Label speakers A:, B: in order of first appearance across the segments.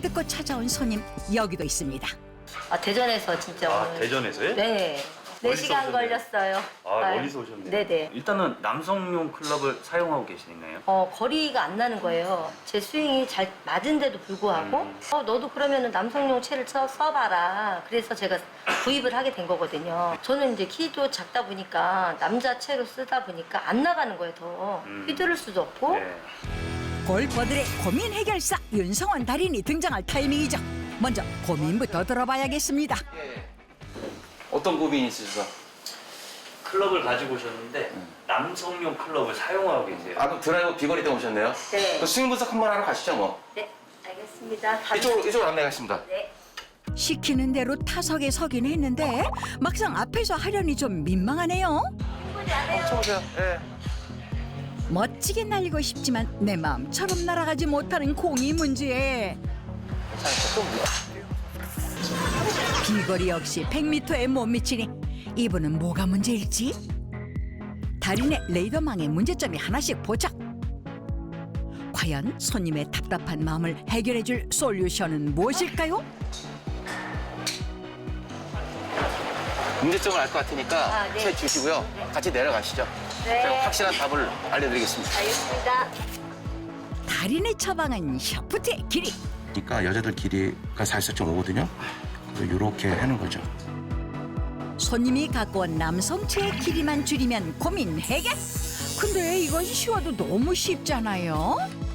A: 듣고 찾아온 손님 여기도 있습니다.
B: 아, 대전에서 진짜
C: 아,
B: 오늘.
C: 대전에서요?
B: 네.
C: 멀리서
B: 4시간
C: 오셨네요.
B: 걸렸어요.
C: 아, 멀리서 오셨네요.
B: 네네.
C: 일단은 남성용 클럽을 사용하고 계시나요?
B: 거리가 안 나는 거예요. 제 스윙이 잘 맞은데도 불구하고 너도 그러면은 남성용 채를 써봐라. 그래서 제가 구입을 하게 된 거거든요. 저는 이제 키도 작다 보니까 남자 채로 쓰다 보니까 안 나가는 거예요. 더 휘두를 수도 없고.
C: 네.
A: 골퍼들의 고민 해결사 윤성원 달인이 등장할 타이밍이죠. 먼저 고민부터 들어봐야겠습니다.
D: 어떤 고민이 있으셔서?
C: 클럽을 가지고 오셨는데 남성용 클럽을 사용하고 계세요.
D: 아, 그럼 드라이버 비거리 때문에 오셨네요?
B: 네.
D: 그 스윙 분석 한번 하러 가시죠, 뭐.
B: 네, 알겠습니다.
D: 이쪽으로 안내하겠습니다.
B: 네.
A: 시키는 대로 타석에 서긴 했는데 막상 앞에서 하려니 좀 민망하네요.
D: 쳐보세요. 예.
A: 멋지게 날리고 싶지만 내 마음처럼 날아가지 못하는 공이 문제. 비거리 역시 100m에 못 미치니 이분은 뭐가 문제일지? 달인의 레이더망에 문제점이 하나씩 포착. 과연 손님의 답답한 마음을 해결해줄 솔루션은 무엇일까요?
D: 문제점을 알 것 같으니까
B: 아, 네.
D: 채 주시고요. 같이 내려가시죠.
B: 네.
D: 제가 확실한 답을 알려드리겠습니다.
B: 알겠습니다.
A: 달인의 처방은 샤프트의 길이.
D: 그러니까 여자들 길이가 44.5거든요. 이렇게 하는 거죠.
A: 손님이 갖고 온 남성체의 길이만 줄이면 고민 해결. 근데 이건 쉬워도 너무 쉽잖아요.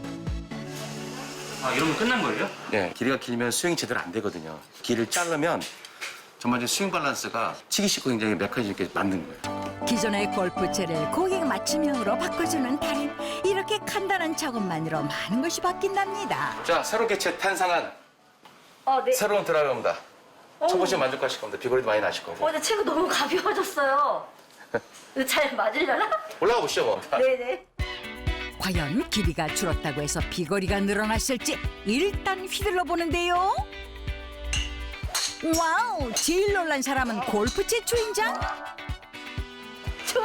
C: 아, 이러면 끝난 거예요?
D: 네, 길이가 길면 스윙이 제대로 안 되거든요. 길을 자르면 정말 스윙 밸런스가 치기 쉽고 굉장히 메커니즘 있게 만든 거예요.
A: 기존의 골프채를 고객 맞춤형으로 바꿔주는 달인. 이렇게 간단한 작업만으로 많은 것이 바뀐답니다.
D: 자, 새롭게 탄생한
B: 네.
D: 새로운 드라이버입니다. 쳐보시면 만족하실 겁니다. 비거리도 많이 나실 거고.
B: 근데 채가 너무 가벼워졌어요. 이거 잘 맞으려나?
D: 올라가 보시죠, 뭐.
B: 네네.
A: 과연 길이가 줄었다고 해서 비거리가 늘어났을지 일단 휘둘러 보는데요. 와우! 제일 놀란 사람은 골프채 주인장?
B: 좋아.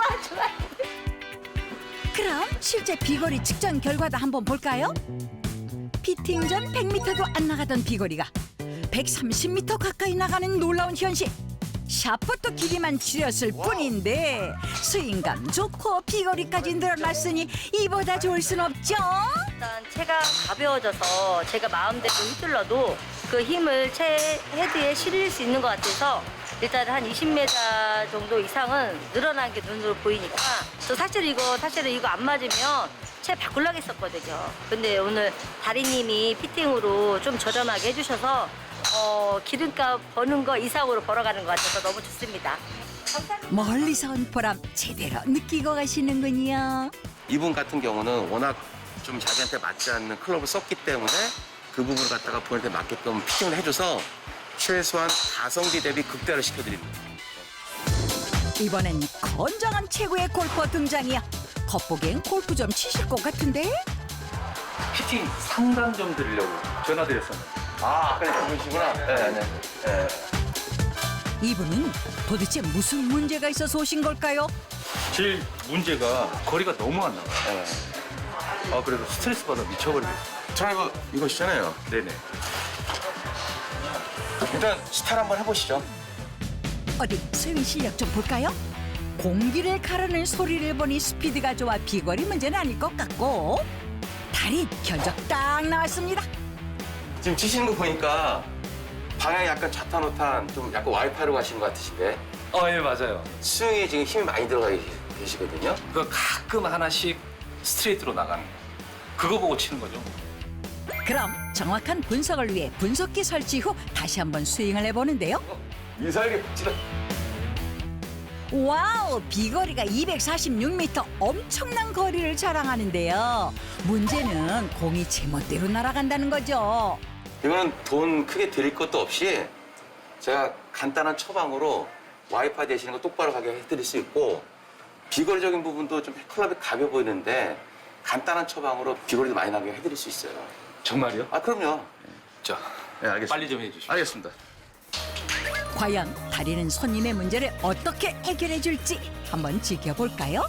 A: 그럼 실제 비거리 측정 결과도 한번 볼까요? 피팅 전 100m도 안 나가던 비거리가 130m 가까이 나가는 놀라운 현실. 샤프트 길이만 줄였을 뿐인데 스윙감 좋고 비거리까지 늘어났으니 이보다 좋을 순 없죠?
B: 일단 채가 가벼워져서 제가 마음대로 휘둘러도 그 힘을 채 헤드에 실릴 수 있는 것 같아서 일단 한 20m 정도 이상은 늘어난 게 눈으로 보이니까 저 사실은 이거 안 맞으면 채 바꾸려고 했었거든요. 근데 오늘 다리님이 피팅으로 좀 저렴하게 해주셔서 기름값 버는 거 이상으로 벌어가는 것 같아서 너무 좋습니다. 감사합니다.
A: 멀리서 온 보람 제대로 느끼고 가시는군요.
D: 이분 같은 경우는 워낙 좀 자기한테 맞지 않는 클럽을 썼기 때문에 그 부분을 갖다가 본인한테 맞게끔 피팅을 해줘서 최소한 가성비 대비 극대화를 시켜드립니다.
A: 이번엔 건장한 최고의 골퍼 등장이야. 겉보기엔 골프 좀 치실 것 같은데?
C: 피팅 상담 좀 드리려고 전화드렸었는데.
D: 아, 아까 그분이시구나. 네.
A: 이분은 도대체 무슨 문제가 있어서 오신 걸까요?
C: 제일 문제가 거리가 너무 안 나가요.
D: 네.
C: 아, 그래서 스트레스 받아 미쳐버리겠어요.
D: 드라이버 이거시잖아요.
C: 네네.
D: 일단 스타트 한번 해보시죠.
A: 어디 스윙 실력 좀 볼까요? 공기를 가르는 소리를 보니 스피드가 좋아 비거리 문제는 아닐 것 같고 달인 견적 딱 나왔습니다.
D: 지금 치시는 거 보니까 방향이 약간 좌탄우탄 좀 약간 와이파이로 가시는 것 같으신데
C: 예, 맞아요.
D: 스윙에 지금 힘이 많이 들어가 계시거든요.
C: 그 가끔 하나씩 스트레이트로 나가는 거. 그거 보고 치는 거죠.
A: 그럼 정확한 분석을 위해 분석기 설치 후 다시 한번 스윙을 해보는데요.
D: 미사일이 찌르.
A: 와우! 비거리가 246m 엄청난 거리를 자랑하는데요. 문제는 공이 제멋대로 날아간다는 거죠.
D: 이거는 돈 크게 드릴 것도 없이 제가 간단한 처방으로 와이파이 되시는 거 똑바로 가게 해드릴 수 있고 비거리적인 부분도 좀 클럽이 가벼워 보이는데 간단한 처방으로 비거리도 많이 나게 해드릴 수 있어요.
C: 정말요?
D: 아, 그럼요.
C: 자,
D: 네, 알겠습니다.
C: 빨리 좀 해주시죠.
D: 알겠습니다.
A: 과연 달인은 손님의 문제를 어떻게 해결해 줄지 한번 지켜볼까요?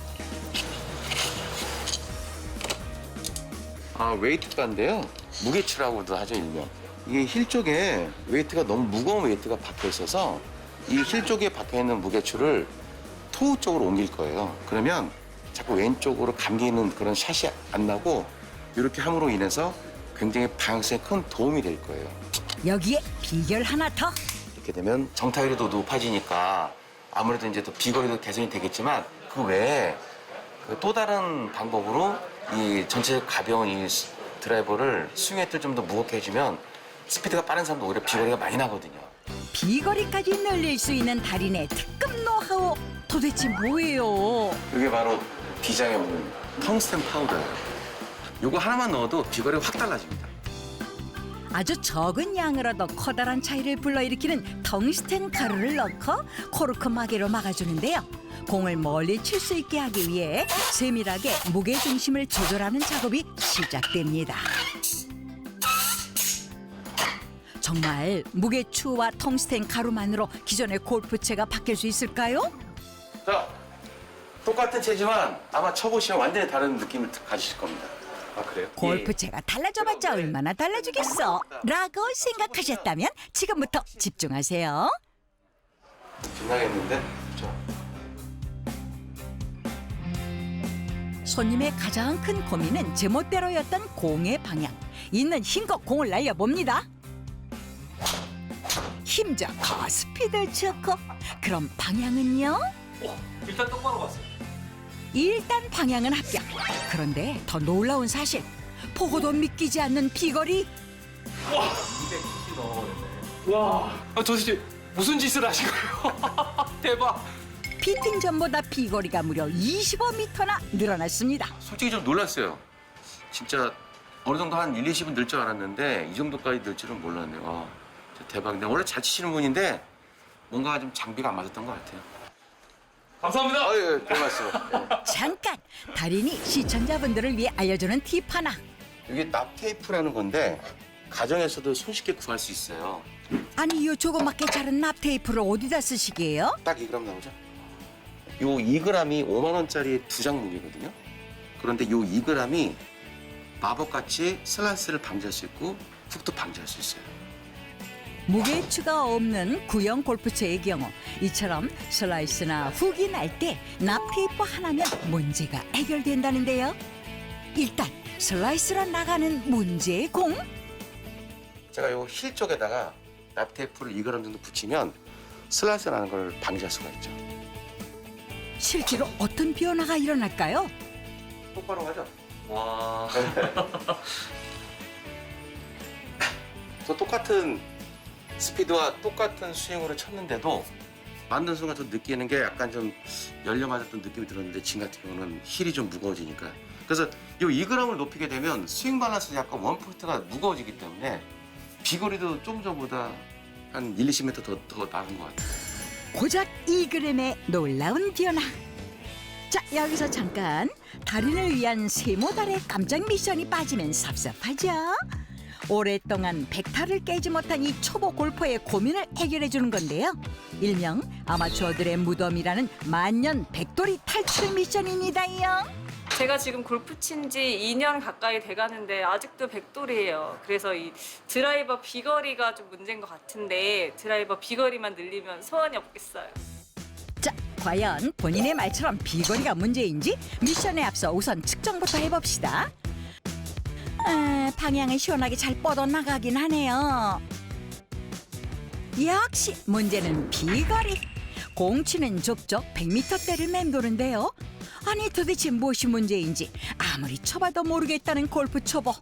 D: 아, 웨이트가인데요. 무게추라고도 하죠, 일명. 이게 힐 쪽에 웨이트가 너무 무거운 웨이트가 박혀 있어서 이 힐 쪽에 박혀 있는 무게추를 토우 쪽으로 옮길 거예요. 그러면 자꾸 왼쪽으로 감기는 그런 샷이 안 나고 이렇게 함으로 인해서 굉장히 방향성에 큰 도움이 될 거예요.
A: 여기에 비결 하나 더.
D: 이렇게 되면 정타율도 높아지니까 아무래도 이제 더 비거리도 개선이 되겠지만 그 외에 그 또 다른 방법으로 이 전체 가벼운 이 드라이버를 스윙 을 좀 더 무겁게 해주면 스피드가 빠른 사람도 오히려 비거리가 많이 나거든요.
A: 비거리까지 늘릴 수 있는 달인의 특급 노하우 도대체 뭐예요?
D: 이게 바로 비장의 문 텅스텐 파우더예요. 이거 하나만 넣어도 비거리가 확 달라집니다.
A: 아주 적은 양으로도 커다란 차이를 불러일으키는 텅스텐 가루를 넣고 코르크 마개로 막아주는데요. 공을 멀리 칠 수 있게 하기 위해 세밀하게 무게 중심을 조절하는 작업이 시작됩니다. 정말 무게추와 텅스텐 가루만으로 기존의 골프채가 바뀔 수 있을까요?
D: 자, 똑같은 채지만 아마 쳐보시면 완전히 다른 느낌을 가지실 겁니다.
C: 아 그래요?
A: 골프채가 달라져봤자 얼마나 달라지겠어? 라고 생각하셨다면 지금부터 집중하세요.
D: 빛나겠는데? 자,
A: 손님의 가장 큰 고민은 제멋대로였던 공의 방향. 있는 힘껏 공을 날려봅니다. 힘 좋고 스피드 좋고. 그럼 방향은요?
C: 일단 똑바로 봤어요.
A: 일단 방향은 합격. 그런데 더 놀라운 사실. 보고도 믿기지 않는 비거리.
C: 와, 도대체 무슨 짓을 하신 거예요? 대박.
A: 피팅 전보다 비거리가 무려 25m나 늘어났습니다.
D: 솔직히 좀 놀랐어요. 진짜 어느 정도 한 1, 20은 늘 줄 알았는데 이 정도까지 늘 줄은 몰랐네요. 와, 진짜 대박인데 원래 잘 치시는 분인데 뭔가 좀 장비가 안 맞았던 것 같아요.
C: 감사합니다.
D: 아유, 별 말씀.
A: 잠깐! 달인이 시청자분들을 위해 알려주는 팁 하나.
D: 이게 납 테이프라는 건데 가정에서도 손쉽게 구할 수 있어요.
A: 아니 이 조그맣게 자른 납 테이프를 어디다 쓰시게요?
D: 딱 2g 나오죠? 요 2g이 5만 원짜리 2장 무게거든요. 그런데 요 2g이 마법같이 슬라이스를 방지할 수 있고 훅도 방지할 수 있어요.
A: 무게추가 없는 구형 골프채의 경우 이처럼 슬라이스나 훅이 날 때 납 테이프 하나면 문제가 해결된다는데요. 일단 슬라이스로 나가는 문제의 공.
D: 제가 요 힐 쪽에다가 납 테이프를 2g 정도 붙이면 슬라이스 나는 걸 방지할 수가 있죠.
A: 실제로 어떤 변화가 일어날까요?
D: 똑바로 가죠?
C: 와.
D: 저 똑같은 스피드와 똑같은 스윙으로 쳤는데도 만든 순간 저 느끼는 게 약간 좀 열려 맞았던 느낌이 들었는데 지금 같은 경우는 힐이 좀 무거워지니까 그래서 이 2g을 높이게 되면 스윙 밸런스 약간 원포인트가 무거워지기 때문에 비거리도 좀 전보다 한 1, 20m 더 나은 것 같아요.
A: 고작 2g의 놀라운 변화. 자, 여기서 잠깐 달인을 위한 세모달의 깜짝 미션이 빠지면 섭섭하죠? 오랫동안 백타를 깨지 못한 이 초보 골퍼의 고민을 해결해 주는 건데요. 일명 아마추어들의 무덤이라는 만년 백돌이 탈출 미션입니다요.
E: 제가 지금 골프 친 지 2년 가까이 돼가는데 아직도 백돌이에요. 그래서 이 드라이버 비거리가 좀 문제인 것 같은데 드라이버 비거리만 늘리면 소원이 없겠어요.
A: 자, 과연 본인의 말처럼 비거리가 문제인지 미션에 앞서 우선 측정부터 해봅시다. 방향은 시원하게 잘 뻗어나가긴 하네요. 역시 문제는 비거리. 공치는 좁적 100m대를 맴도는데요. 아니 도대체 무엇이 문제인지 아무리 쳐봐도 모르겠다는 골프 초보.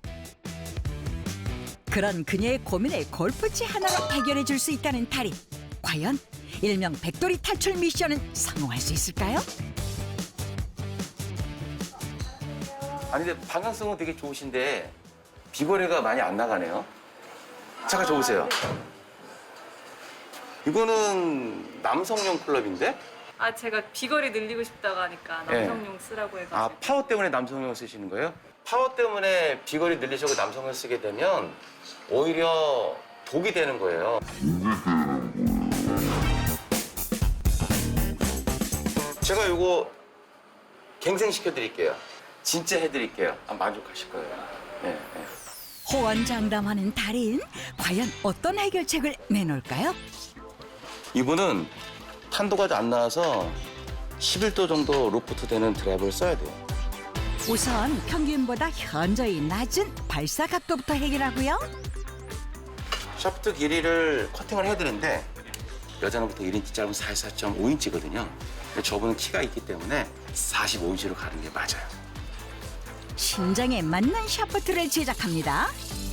A: 그런 그녀의 고민을 골프채 하나로 해결해 줄 수 있다는 달인. 과연 일명 백돌이 탈출 미션은 성공할 수 있을까요?
D: 아니 근데 방향성은 되게 좋으신데 비거리가 많이 안 나가네요. 잠깐 저 보세요. 이거는 남성용 클럽인데?
E: 아 제가 비거리 늘리고 싶다고 하니까 남성용 쓰라고 해가지고.
D: 아 파워 때문에 남성용 쓰시는 거예요? 파워 때문에 비거리 늘리려고 남성을 쓰게 되면 오히려 독이 되는 거예요. 제가 이거 갱생시켜 드릴게요. 진짜 해드릴게요. 만족하실 거예요. 네, 네.
A: 호언장담하는 달인, 과연 어떤 해결책을 내놓을까요?
D: 이분은 탄도가 안 나와서 11도 정도 로프트 되는 드라이버를 써야 돼요.
A: 우선 평균보다 현저히 낮은 발사 각도부터 해결하고요.
D: 샤프트 길이를 커팅을 해드는데 여자는 보통 1인치 짧은 44.5인치거든요. 근데 저분은 키가 있기 때문에 45인치로 가는 게 맞아요.
A: 신장에 맞는 샤프트를 제작합니다.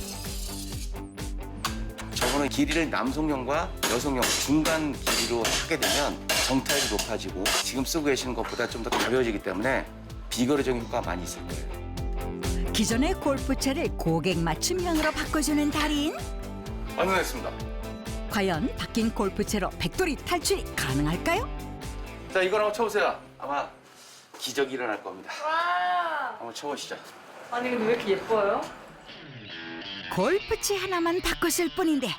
D: 저분은 길이를 남성용과 여성용 중간 길이로 하게 되면 정타율이 높아지고 지금 쓰고 계시는 것보다 좀 더 가벼워지기 때문에 비거리적인 효과가 많이 있을 거예요.
A: 기존의 골프채를 고객 맞춤형으로 바꿔주는 달인.
D: 완성했습니다.
A: 과연 바뀐 골프채로 백돌이 탈출이 가능할까요?
D: 자, 이걸 한번 쳐보세요. 아마 기적이 일어날 겁니다.
E: 와.
D: 한번 쳐보시죠.
E: 아니 근데 왜 이렇게 예뻐요?
A: 골프채 하나만 바꿨을 뿐인데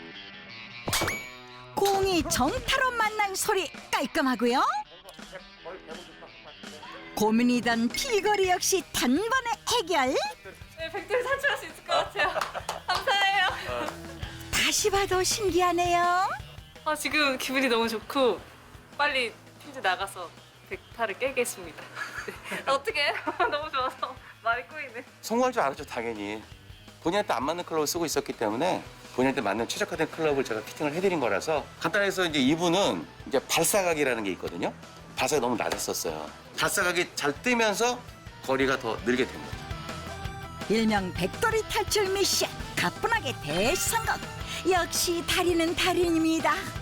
A: 공이 정타로 만난 소리 깔끔하고요. 고민이던 비거리 역시 단번에 해결.
E: 네, 백돌이 탈출할 수 있을 것 같아요. 감사해요.
A: 다시 봐도 신기하네요.
E: 아, 지금 기분이 너무 좋고 빨리 퀴즈 나가서 백타를 깨겠습니다. 네. 어떻게? 너무 좋아서 말이 꼬이네.
D: 성공할 줄 알았죠, 당연히. 본인한테 안 맞는 클럽을 쓰고 있었기 때문에 본인한테 맞는 최적화된 클럽을 제가 피팅을 해드린 거라서 간단해서 이제 이분은 이제 발사각이라는 게 있거든요. 발사각이 너무 낮았었어요. 발사각이 잘 뜨면서 거리가 더 늘게 된 거죠.
A: 일명 백돌이 탈출 미션 가뿐하게 대성공. 역시 달인은 달인입니다.